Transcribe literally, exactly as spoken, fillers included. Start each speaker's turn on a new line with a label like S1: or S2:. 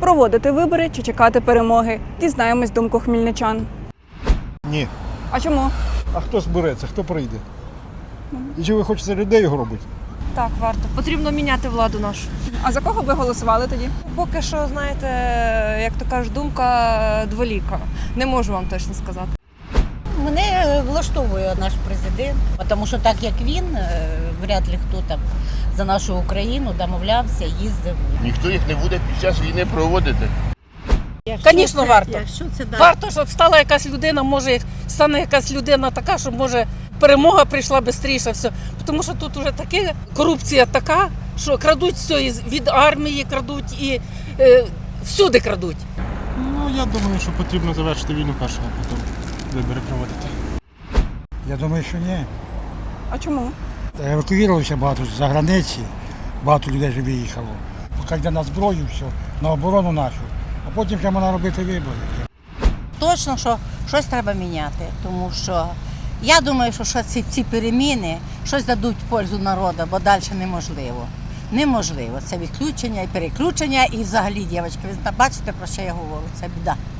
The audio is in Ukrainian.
S1: Проводити вибори чи чекати перемоги? Дізнаємось думку хмельничан.
S2: Ні.
S1: А чому?
S2: А хто збереться, хто прийде? І чи ви хочете людей його робити?
S3: Так, варто. Потрібно міняти владу нашу.
S1: А за кого ви голосували тоді?
S3: Поки що, знаєте, як то кажуть, думка дволіка. Не можу вам точно сказати.
S4: Мене влаштовує наш президент, тому що так як він, вряд ли хто там за нашу Україну домовлявся, їздив.
S5: Ніхто їх не буде під час війни проводити.
S6: Звісно, варто.
S4: Якщо це да.
S6: Варто, щоб стала якась людина, може стане якась людина така, щоб може перемога прийшла швидше. Все. Тому що тут вже таке корупція така, що крадуть все із- від армії, крадуть і е, всюди крадуть.
S7: Ну, я думаю, що потрібно завершити війну першого, а потім вибори проводити.
S8: Я думаю, що ні.
S1: А чому?
S8: Евакуювалося багато з-за границі, багато людей вже виїхало. Поки йде на зброю, все, на оборону нашу, а потім вже можна робити вибори.
S4: Точно, що щось треба міняти, тому що я думаю, що, що ці, ці переміни щось дадуть в пользу народу, бо далі неможливо. Неможливо. Це відключення і переключення, і взагалі, дівчатки, ви бачите, про що я говорю, це біда.